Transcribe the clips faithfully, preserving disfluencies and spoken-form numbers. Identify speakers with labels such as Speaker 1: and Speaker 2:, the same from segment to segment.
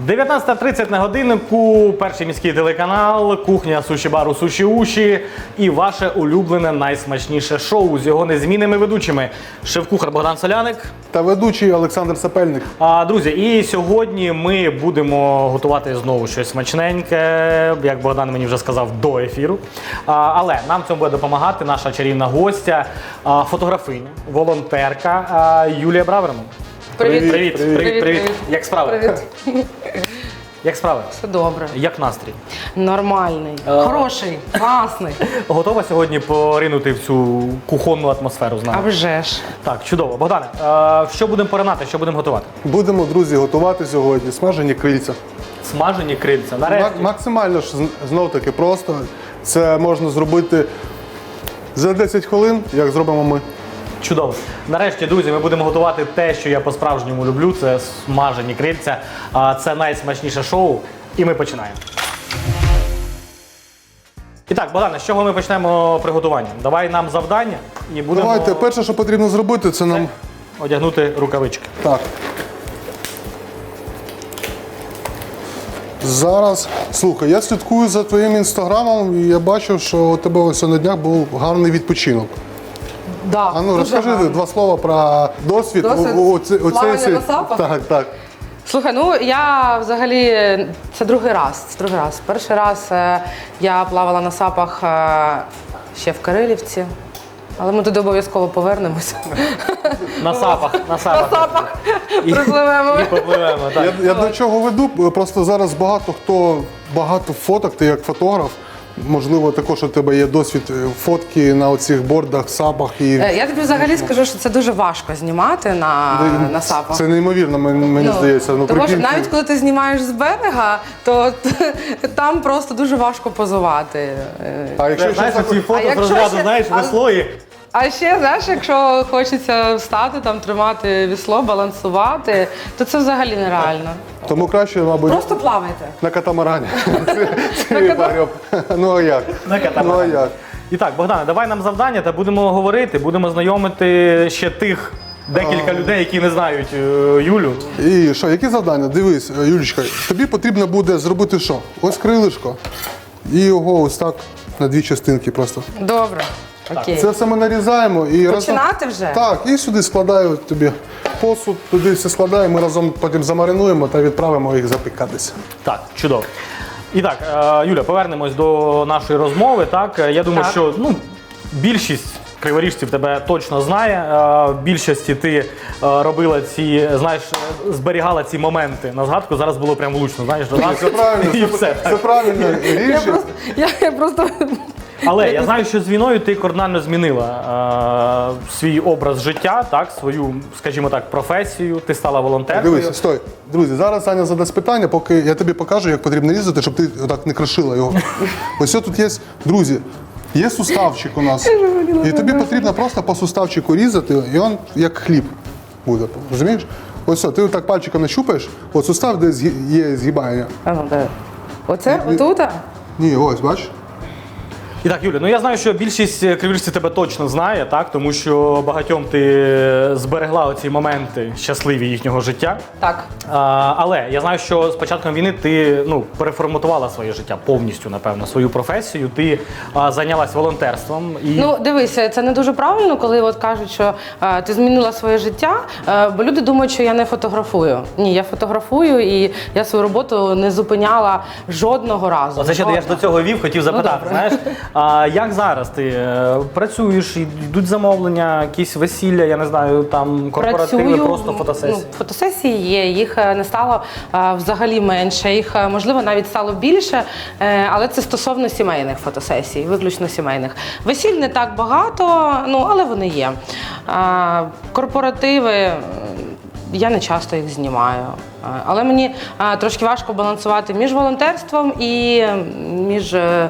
Speaker 1: дев'ятнадцята тридцять на годиннику, перший міський телеканал, кухня суші-бару Суші-Уші і ваше улюблене найсмачніше шоу з його незмінними ведучими. Шеф-кухар Богдан Соляник.
Speaker 2: Та ведучий Олександр Сапельник.
Speaker 1: А, друзі, і сьогодні ми будемо готувати знову щось смачненьке, як Богдан мені вже сказав, до ефіру. А, але нам в цьому буде допомагати наша чарівна гостя, а, фотографиня, волонтерка а, Юлія Браверман.
Speaker 3: Привіт.
Speaker 1: Привіт, привіт, привіт, привіт.
Speaker 3: Привіт.
Speaker 1: Як справи?
Speaker 3: Привіт.
Speaker 1: Як справи?
Speaker 3: Все добре.
Speaker 1: Як настрій?
Speaker 3: Нормальний.
Speaker 1: А.
Speaker 3: Хороший. Класний.
Speaker 1: Готова сьогодні поринути в цю кухонну атмосферу з
Speaker 3: А
Speaker 1: нами?
Speaker 3: вже ж.
Speaker 1: Так, чудово. Богдане, а, що будемо поринати, що будемо готувати?
Speaker 2: Будемо, друзі, готувати сьогодні смажені крильця.
Speaker 1: Смажені крильця. Нарешті.
Speaker 2: Мак- Максимально ж знов таки просто. Це можна зробити за десять хвилин, як зробимо ми.
Speaker 1: Чудово. Нарешті, друзі, ми будемо готувати те, що я по-справжньому люблю. Це смажені крильця. А, Це найсмачніше шоу. І ми починаємо. І так, Богдане, з чого ми почнемо приготування? Давай нам завдання і будемо
Speaker 2: Давайте, перше, що потрібно зробити, це нам.
Speaker 1: одягнути рукавички.
Speaker 2: Так. Зараз, слухай, я слідкую за твоїм інстаграмом і я бачив, що у тебе ось на днях був гарний відпочинок.
Speaker 3: Да,
Speaker 2: А ну
Speaker 3: дуже
Speaker 2: розкажи
Speaker 3: гарно.
Speaker 2: два слова про досвід.
Speaker 3: Досвід
Speaker 2: О- о- оце-
Speaker 3: плавання
Speaker 2: оцей-
Speaker 3: на сапах?
Speaker 2: Так, так.
Speaker 3: Слухай, ну я взагалі це другий раз. Це другий раз. Перший раз е, я плавала на сапах е, ще в Кирилівці, але ми туди обов'язково повернемося.
Speaker 1: На сапах, на
Speaker 3: На
Speaker 1: сапах.
Speaker 3: сапах
Speaker 1: І-
Speaker 3: припливемо.
Speaker 1: І попливемо, так.
Speaker 2: Я, я до чого веду, просто зараз багато хто, багато фоток, ти як фотограф, можливо, також у тебе є досвід е, фотки на оцих бордах, сапах і
Speaker 3: Е, Я тобі взагалі скажу, що це дуже важко знімати на, на сапах.
Speaker 2: це неймовірно, мені, мені
Speaker 3: Ну,
Speaker 2: здається. Ну,
Speaker 3: тому що
Speaker 2: прикинь,
Speaker 3: навіть коли ти знімаєш з берега, то там просто дуже важко позувати. Е,
Speaker 2: а якщо
Speaker 1: Це, знаєш,
Speaker 2: щось
Speaker 1: ці
Speaker 2: так-
Speaker 1: фото
Speaker 3: А
Speaker 1: з
Speaker 3: якщо
Speaker 1: розряду,
Speaker 3: ще-
Speaker 1: знаєш,
Speaker 3: а-
Speaker 1: весло і...
Speaker 3: А ще, знаєш, якщо хочеться встати, там тримати вісло, балансувати, то це взагалі нереально.
Speaker 2: тому краще, мабуть,
Speaker 3: Просто плавайте.
Speaker 2: на катамарані. Це- це варіант. Ну а як?
Speaker 1: На катамарані.
Speaker 2: Ну а як?
Speaker 1: І так, Богдане, давай нам завдання та будемо говорити, будемо знайомити ще тих декілька людей, які не знають е, Юлю.
Speaker 2: І що, які завдання? Дивись, е, Юлічка, тобі потрібно буде зробити що? Ось крилишко. І його ось так на дві частинки просто.
Speaker 3: Добре. Окей.
Speaker 2: Це все ми нарізаємо і разом.
Speaker 3: Починати вже?
Speaker 2: Так, і сюди складаю тобі посуд, туди все складаємо, ми разом потім замаринуємо та відправимо їх запікатися.
Speaker 1: Так, чудово. І так, е, Юля, повернемось до нашої розмови. Так, я думаю,
Speaker 3: Так.
Speaker 1: що ну, більшість криворіжців тебе точно знає. Е, В більшості ти е, робила ці, знаєш, зберігала ці моменти на згадку. Зараз було прям влучно, знаєш, до нас
Speaker 2: Це правильно,
Speaker 1: і
Speaker 2: це,
Speaker 1: все.
Speaker 2: це правильно
Speaker 3: Я
Speaker 2: рішення.
Speaker 3: просто, я, я просто
Speaker 1: Але я знаю, що з війною ти кардинально змінила е, свій образ життя, так, свою, скажімо так, професію. Ти стала волонтеркою.
Speaker 2: Дивись, стой. Друзі, зараз Аня задасть питання, поки я тобі покажу, як потрібно різати, щоб ти отак не кришила його. Ось тут є, друзі, є суставчик у нас. І тобі потрібно просто по суставчику різати, і він як хліб буде. Розумієш? Ось все, ти отак пальчиком нащупаєш, от сустав, де згі- є згибання.
Speaker 3: А, ну, де? Оце? Отут?
Speaker 2: Ні, ось, бачиш?
Speaker 1: І так, Юля, ну я знаю, що більшість криворіжців тебе точно знає, так, тому що багатьом ти зберегла оці моменти щасливі їхнього життя.
Speaker 3: Так.
Speaker 1: А, але я знаю, що з початком війни ти ну, переформатувала своє життя повністю, напевно, свою професію. Ти а, зайнялась волонтерством. І...
Speaker 3: Ну, дивися, це не дуже правильно, коли от кажуть, що е, ти змінила своє життя, е, бо люди думають, що я не фотографую. Ні, я фотографую і я свою роботу не зупиняла жодного разу.
Speaker 1: Оце ще я ж до цього вів, хотів запитати,
Speaker 3: добре.
Speaker 1: знаєш, а як зараз ти е, працюєш, йдуть замовлення, якісь весілля, я не знаю, там корпоративи,
Speaker 3: Працюю,
Speaker 1: просто фотосесії?
Speaker 3: Ну, фотосесії є, їх е, не стало е, взагалі менше, їх е, можливо навіть стало більше, е, але це стосовно сімейних фотосесій, виключно сімейних. Весіль не так багато, ну але вони є. Е, Корпоративи. е, Я не часто їх знімаю, Е, але мені е, трошки важко балансувати між волонтерством і між е,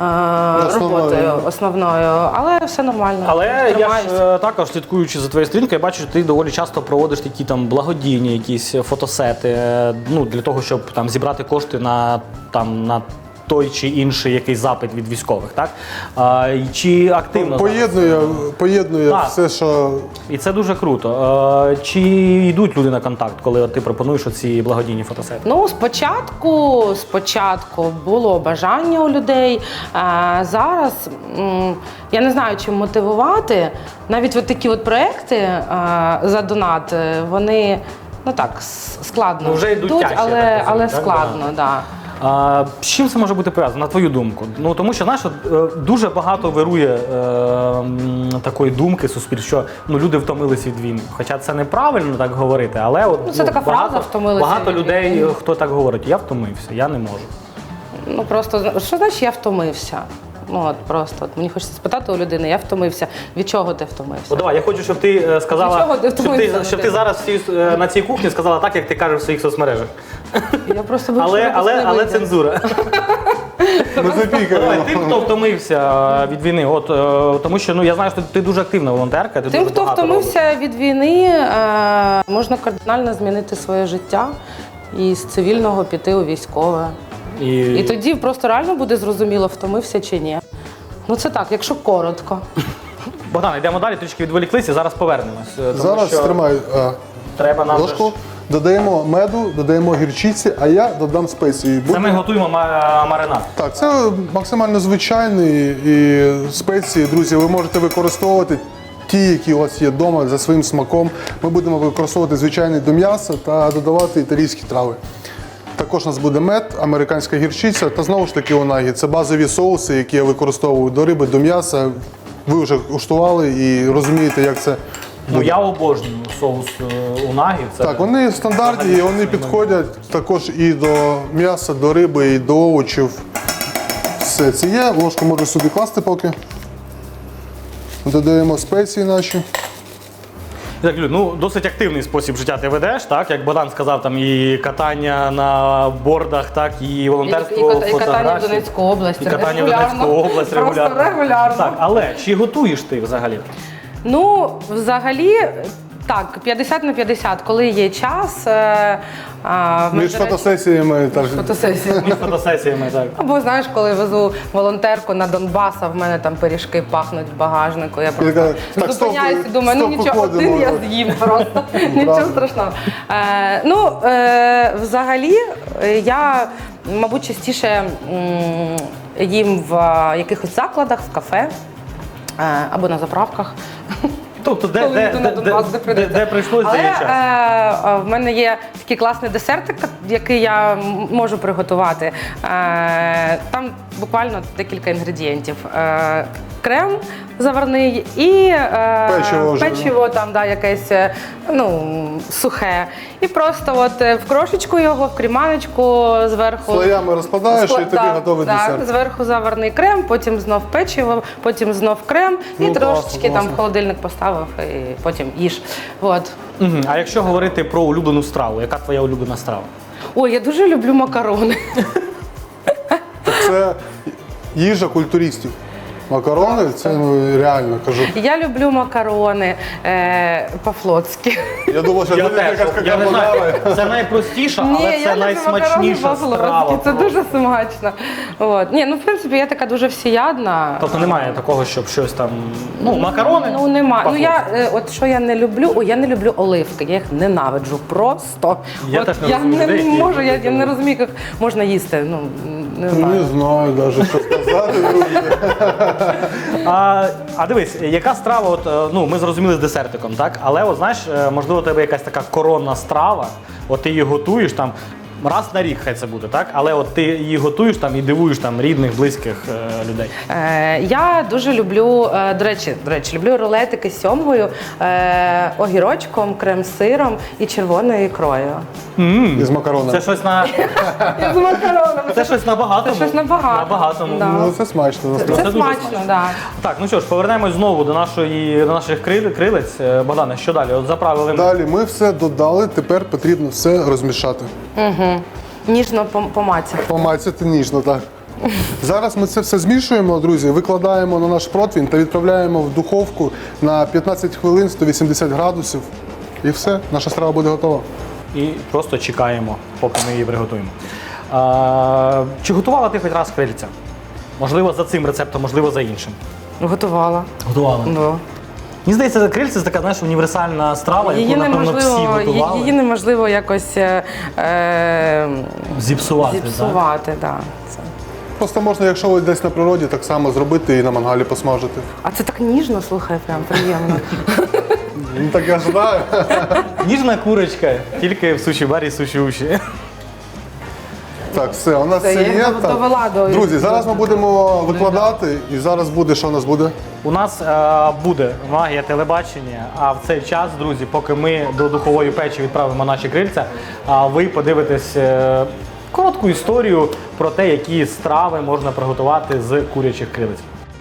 Speaker 3: роботою основною, але все нормально.
Speaker 1: Але я ж
Speaker 3: Тримаюся.
Speaker 1: е, також слідкуючи за твоєю сторінкою, я бачу, що ти доволі часто проводиш такі там благодійні якісь фотосети, е, ну для того, щоб там зібрати кошти на там на той чи інший якийсь запит від військових, так? А, і чи активно зараз?
Speaker 2: Поєднує, поєднує
Speaker 1: Так.
Speaker 2: все, що
Speaker 1: І це дуже круто. Е, Чи йдуть люди на контакт, коли от ти пропонуєш оці благодійні фотосети?
Speaker 3: Ну, спочатку, спочатку було бажання у людей. А зараз м, я не знаю, чим мотивувати. Навіть от такі от проекти а, за донат, е, вони ну так с- складно
Speaker 1: Ну, вже йдуть тяжче,
Speaker 3: але,
Speaker 1: я так
Speaker 3: але
Speaker 1: розумію, так?
Speaker 3: складно, так. Да.
Speaker 1: А, з чим це може бути пов'язано, на твою думку? Ну тому що знаєш, от, е, дуже багато вирує е, м, такої думки суспільства, що ну люди втомились від війни. Хоча це неправильно так говорити, але от
Speaker 3: Ну, це така
Speaker 1: багато,
Speaker 3: фраза, «втомилися
Speaker 1: багато
Speaker 3: від
Speaker 1: людей,
Speaker 3: війни».
Speaker 1: хто так говорить, я втомився, я не можу.
Speaker 3: Ну просто що значить я втомився? Ну от просто от мені хочеться спитати у людини, я втомився. Від чого ти втомився?
Speaker 1: О, давай, я хочу, щоб ти е, сказала,
Speaker 3: Нічого, ти
Speaker 1: щоб ти,
Speaker 3: втомився,
Speaker 1: щоб ти
Speaker 3: Вадим.
Speaker 1: зараз всі, е, на цій кухні сказала так, як ти кажеш в своїх соцмережах.
Speaker 3: Я просто боюсь,
Speaker 1: Але,
Speaker 3: що
Speaker 1: але,
Speaker 3: не
Speaker 1: але
Speaker 3: вийде.
Speaker 1: цензура.
Speaker 2: ми
Speaker 1: Давай,
Speaker 2: запікаємо.
Speaker 1: тим, хто втомився від війни, от е, тому що ну я знаю, що ти дуже активна волонтерка. Ти
Speaker 3: Тим,
Speaker 1: дуже
Speaker 3: хто
Speaker 1: багато
Speaker 3: втомився від війни, е, можна кардинально змінити своє життя і з цивільного піти у військове.
Speaker 1: робиш.
Speaker 3: І тоді просто реально буде зрозуміло, втомився чи ні. Ну це так, якщо коротко.
Speaker 1: Богдан, йдемо далі, трішки відволіклися, зараз повернемось. е, Тому
Speaker 2: Зараз
Speaker 1: що
Speaker 2: тримай е,
Speaker 1: треба нам. же
Speaker 2: ложку,
Speaker 1: ж-
Speaker 2: додаємо меду, додаємо гірчиці, а я додам спеції.
Speaker 1: Це
Speaker 2: Буде-
Speaker 1: ми готуємо ма- маринад.
Speaker 2: Так, це максимально звичайний і спеції, друзі, ви можете використовувати ті, які у вас є вдома за своїм смаком. Ми будемо використовувати звичайний до м'яса та додавати італійські трави. Також у нас буде мед, американська гірчиця та знову ж таки унагі. Це базові соуси, які я використовую до риби, до м'яса. Ви вже куштували і розумієте, як це.
Speaker 1: Ну я обожнюю соус е, унагі. Це
Speaker 2: Так, вони стандартні, і вони підходять також і до м'яса, до риби, і до овочів. Все це є. Ложку можу собі класти поки. Додаємо спеції наші.
Speaker 1: Так, Люд, ну досить активний спосіб життя ти ведеш, так як Богдан сказав, там і катання на бордах, так і волонтерство,
Speaker 3: І- і кат- і катання в
Speaker 1: фотографії.
Speaker 3: Донецьку область
Speaker 1: і катання в
Speaker 3: регулярно.
Speaker 1: Донецьку область
Speaker 3: Просто
Speaker 1: регулярно.
Speaker 3: регулярно.
Speaker 1: Так, але чи готуєш ти взагалі?
Speaker 3: Ну, взагалі, так, п'ятдесят на п'ятдесят, коли є час. Е, а, в мене,
Speaker 2: Між
Speaker 3: до речі,
Speaker 2: фотосесіями так.
Speaker 3: фотосесія.
Speaker 1: Між фотосесіями, так.
Speaker 3: Або знаєш, коли везу волонтерку на Донбас, а в мене там пиріжки пахнуть в багажнику. Я просто
Speaker 2: така, так,
Speaker 3: зупиняюся і
Speaker 2: стоп,
Speaker 3: думаю, ну
Speaker 2: стоп,
Speaker 3: нічого,
Speaker 2: виходимо.
Speaker 3: один я з'їм просто. Нічого страшного. Е, ну, е, взагалі, е, я, мабуть, частіше м, їм в е, якихось закладах, в кафе е, або на заправках.
Speaker 1: Тобто, де,
Speaker 3: Коли
Speaker 1: де,
Speaker 3: йду
Speaker 1: де,
Speaker 3: на
Speaker 1: де,
Speaker 3: Донбас, де
Speaker 1: де,
Speaker 3: прийдеться.
Speaker 1: де прийшлось,
Speaker 3: Але
Speaker 1: де є час.
Speaker 3: е, е, в мене є такий класний десертик, який я м- можу приготувати. Е, там буквально декілька інгредієнтів. Е, крем заварний і е,
Speaker 2: Печиво вже,
Speaker 3: печиво там, да, якесь е, ну, сухе. І просто от е, в крошечку його, в кріманочку зверху.
Speaker 2: Слоями розкладаєш, і тобі
Speaker 3: Да,
Speaker 2: готовий
Speaker 3: да,
Speaker 2: десерт.
Speaker 3: Зверху заварний крем, потім знов печиво, потім знов крем і
Speaker 2: Ну,
Speaker 3: трошечки
Speaker 2: класно,
Speaker 3: там
Speaker 2: класно.
Speaker 3: в холодильник поставив і потім їж. От.
Speaker 1: Мгм. А якщо говорити про улюблену страву, яка твоя улюблена страва?
Speaker 3: Ой, я дуже люблю макарони.
Speaker 2: Так це їжа культуристів. Макарони, це ну, реально кажу.
Speaker 3: Я люблю макарони е, по-флотськи.
Speaker 2: Я думав, що
Speaker 1: Я
Speaker 2: буде
Speaker 1: теж,
Speaker 2: якась
Speaker 1: я не знаю,
Speaker 2: карбонара.
Speaker 1: це найпростіша, але
Speaker 3: Ні,
Speaker 1: це
Speaker 3: я люблю
Speaker 1: найсмачніша
Speaker 3: макарони
Speaker 1: страва.
Speaker 3: по-флотськи. Це дуже смачно. От. Ні, ну в принципі я така дуже всіядна.
Speaker 1: Тобто немає такого, щоб щось там. Ну, макарони.
Speaker 3: Ну нема. Ну я
Speaker 1: по-флотськи.
Speaker 3: е, от що я не люблю, о, я не люблю оливки. Я їх ненавиджу просто.
Speaker 1: Я
Speaker 3: от,
Speaker 1: теж не
Speaker 3: я
Speaker 1: розумію
Speaker 3: не
Speaker 1: людей, які
Speaker 3: можу, я,
Speaker 1: люблять
Speaker 3: я не розумію, як можна їсти. Ну не знаю.
Speaker 2: Не знаю навіть, що сказати.
Speaker 1: А, а дивись, яка страва, от, е, ну ми зрозуміли з десертиком, так? Але от знаєш, е, можливо, у тебе якась така коронна страва, от ти її готуєш там. Раз на рік хай це буде, так? Але от ти її готуєш там і дивуєш там рідних, близьких е, людей.
Speaker 3: Е, я дуже люблю, е, до речі, до речі, люблю рулетики з сьомгою, е, огірочком, крем-сиром і червоною ікрою.
Speaker 2: Із макаронами.
Speaker 1: Це щось на
Speaker 3: З макаронами.
Speaker 1: це щось набагато.
Speaker 3: Це щось набагато.
Speaker 1: Набагатому.
Speaker 3: Да.
Speaker 2: Ну, це смачно.
Speaker 3: Це,
Speaker 2: насправді.
Speaker 1: це
Speaker 3: це
Speaker 1: дуже
Speaker 3: смачно,
Speaker 1: смачно.
Speaker 3: так.
Speaker 1: Так, ну що ж, повернемось знову до нашої до наших крил- крилець. Е, Богдане, що далі? От заправили ми.
Speaker 2: Далі ми все додали, тепер потрібно все розмішати.
Speaker 3: Ніжно пом- помацати.
Speaker 2: Помацати ніжно, так. Зараз ми це все змішуємо, друзі, викладаємо на наш противень та відправляємо в духовку на п'ятнадцять хвилин, сто вісімдесят градусів. І все, наша страва буде готова.
Speaker 1: І просто чекаємо, поки ми її приготуємо. А, чи готувала ти хоч раз крильця? Можливо, за цим рецептом, можливо, за іншим.
Speaker 3: Готувала.
Speaker 1: Готувала.
Speaker 3: Да.
Speaker 1: Мені здається, крильця це така, знаєш, універсальна страва,
Speaker 3: Її
Speaker 1: яку, напевно, всі
Speaker 3: неможливо,
Speaker 1: готували.
Speaker 3: її неможливо якось е, е,
Speaker 1: Зіпсувати, так?
Speaker 3: зіпсувати. Да. Це.
Speaker 2: Просто можна, якщо ви десь на природі, так само зробити і на мангалі посмажити.
Speaker 3: А це так ніжно, слухай, прям приємно.
Speaker 2: Ну так я ж знаю.
Speaker 1: Ніжна курочка, тільки в суші-барі суші-уші.
Speaker 2: Так, все, у нас
Speaker 3: Це
Speaker 2: все
Speaker 3: я
Speaker 2: є.
Speaker 3: дов-
Speaker 2: Так.
Speaker 3: довела до-
Speaker 2: Друзі, зараз ми будемо викладати, і зараз буде, що у нас буде?
Speaker 1: У нас е, буде магія телебачення, а в цей час, друзі, поки ми до духової печі відправимо наші крильця, а ви подивитесь е, коротку історію про те, які страви можна приготувати з курячих крилець.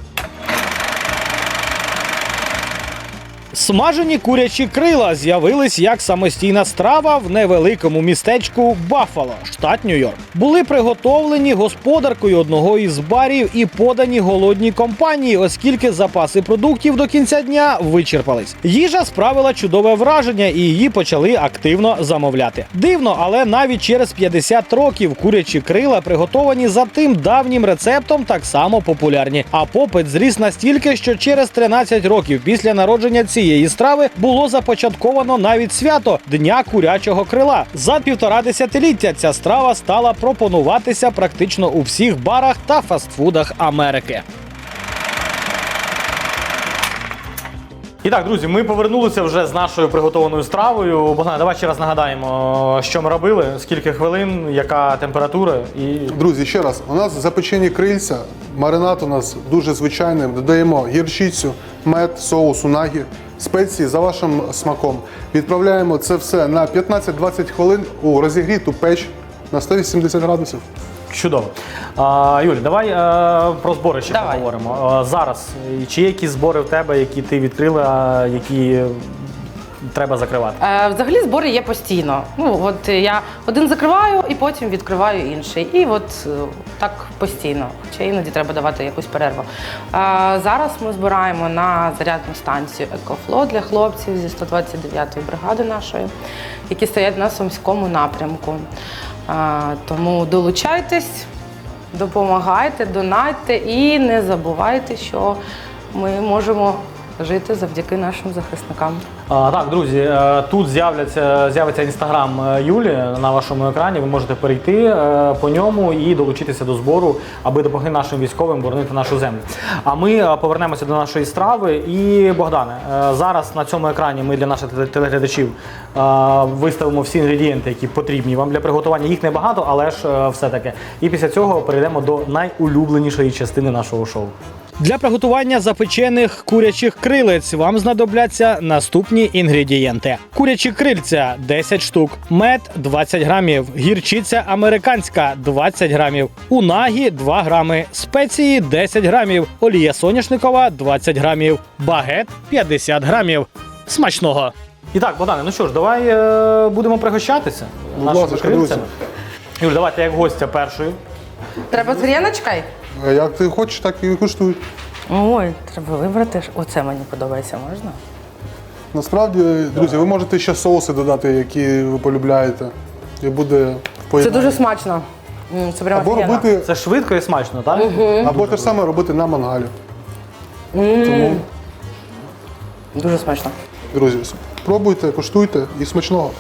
Speaker 4: Смажені курячі крила з'явились як самостійна страва в невеликому містечку Баффало, штат Нью-Йорк. Були приготовлені господаркою одного із барів і подані голодній компанії, оскільки запаси продуктів до кінця дня вичерпались. Їжа справила чудове враження і її почали активно замовляти. Дивно, але навіть через п'ятдесят років курячі крила, приготовані за тим давнім рецептом, так само популярні. А попит зріс настільки, що через тринадцять років після народження цієї страви було започатковано навіть свято Дня курячого крила. За півтора десятиліття ця страва стала пропонуватися практично у всіх барах та фастфудах Америки.
Speaker 1: І так, друзі, ми повернулися вже з нашою приготованою стравою. Богдан, давай ще раз нагадаємо, що ми робили, скільки хвилин, яка температура і.
Speaker 2: Друзі, ще раз, у нас запечені крильця, маринад у нас дуже звичайний, додаємо гірчицю, мед, соус унагі, спеції за вашим смаком. Відправляємо це все на п'ятнадцять-двадцять хвилин у розігріту печ на сто вісімдесят градусів.
Speaker 1: Чудово. А, Юль, давай е, про збори ще
Speaker 3: Давай.
Speaker 1: поговоримо. А, зараз, чи є якісь збори в тебе, які ти відкрила, які треба закривати?
Speaker 3: Е, Взагалі збори є постійно. Ну, от я один закриваю і потім відкриваю інший. І от е, так постійно. Хоча іноді треба давати якусь перерву. Е, Зараз ми збираємо на зарядну станцію «Екофло» для хлопців зі сто двадцять дев'ятої бригади нашої, які стоять на Сумському напрямку. Е, Тому долучайтесь, допомагайте, донатьте і не забувайте, що ми можемо жити завдяки нашим захисникам.
Speaker 1: А, так, друзі, е, тут з'являться з'явиться інстаграм е, Юлі на вашому екрані. Ви можете перейти е, по ньому і долучитися до збору, аби допомогти нашим військовим боронити нашу землю. А ми е, повернемося до нашої страви. І, Богдане, е, зараз на цьому екрані ми для наших теле- телеглядачів е, виставимо всі інгредієнти, які потрібні вам для приготування. Їх небагато, але ж е, все-таки. І після цього перейдемо до найулюбленішої частини нашого шоу.
Speaker 4: Для приготування запечених курячих крилець вам знадобляться наступні інгредієнти: курячі крильця десять штук, мед двадцять грамів, гірчиця американська двадцять грамів, унагі два грами, спеції десять грамів, олія соняшникова двадцять грамів, багет п'ятдесят грамів. Смачного!
Speaker 1: І так, Богдане, ну що ж, давай е, будемо пригощатися
Speaker 2: Будь
Speaker 1: нашими
Speaker 2: ласка,
Speaker 1: крильцями. Юль, давай ти як гостя першою.
Speaker 3: Треба з гріночкою?
Speaker 2: Е, Як ти хочеш, так і куштуй.
Speaker 3: Ой, треба вибрати. Оце мені подобається, можна?
Speaker 2: Насправді, друзі, ви можете ще соуси додати, які ви полюбляєте. І буде в
Speaker 3: Це
Speaker 2: поєднанні.
Speaker 3: дуже смачно. М, Це прямо
Speaker 2: Або
Speaker 3: офігенно.
Speaker 2: робити,
Speaker 1: Це швидко і смачно, так?
Speaker 2: або те ж саме робити на мангалі. Тому,
Speaker 3: Дуже смачно.
Speaker 2: друзі, пробуйте, куштуйте і смачного.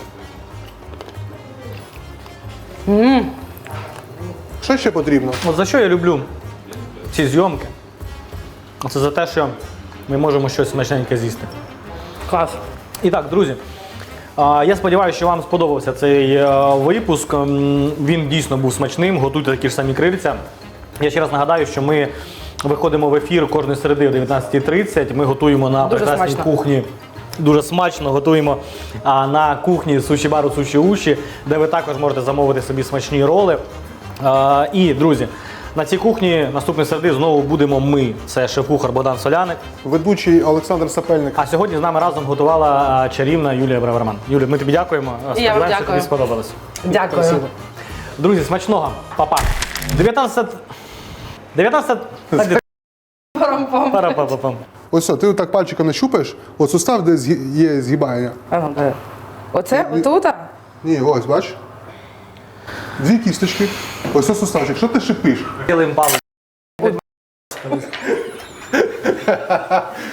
Speaker 2: Що ще потрібно?
Speaker 1: От за що я люблю ці зйомки? Це за те, що ми можемо щось смачненьке з'їсти.
Speaker 3: Клас.
Speaker 1: І так, друзі, а, я сподіваюся, що вам сподобався цей е, випуск. М, Він дійсно був смачним. Готуйте такі ж самі крильця. Я ще раз нагадаю, що ми виходимо в ефір кожної середи о дев'ятнадцятій тридцять. Ми готуємо на
Speaker 3: Дуже
Speaker 1: прекрасній
Speaker 3: смачно.
Speaker 1: кухні. Дуже смачно готуємо а, на кухні суші-бару Суші-Уші, де ви також можете замовити собі смачні роли. А, і, друзі, на цій кухні наступної середи знову будемо ми. Це шеф-кухар Богдан Соляник.
Speaker 2: Ведучий Олександр Сапельник.
Speaker 1: А сьогодні з нами разом готувала а, чарівна Юлія Браверман. Юлія, ми тобі дякуємо. Сподіваємося,
Speaker 3: дякую.
Speaker 1: тобі сподобалось.
Speaker 3: Дякую.
Speaker 2: Спасибо.
Speaker 1: Друзі, смачного. Па-па. дев'ятнадцять... дев'ятнадцять...
Speaker 3: Парам-пам.
Speaker 1: Пара-па-па-пам.
Speaker 2: Ось все, ти так пальчиком не щупаєш, от сустав, де згі- є згибання.
Speaker 3: А ну, де? Оце? Отут?
Speaker 2: Ні, ось, бач. дві кісточки, ось ось суставчик. Що ти шипиш?
Speaker 1: Білим палець.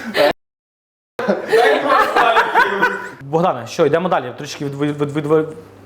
Speaker 1: Богдане, що, йдемо далі. Трішки від, від, від, від,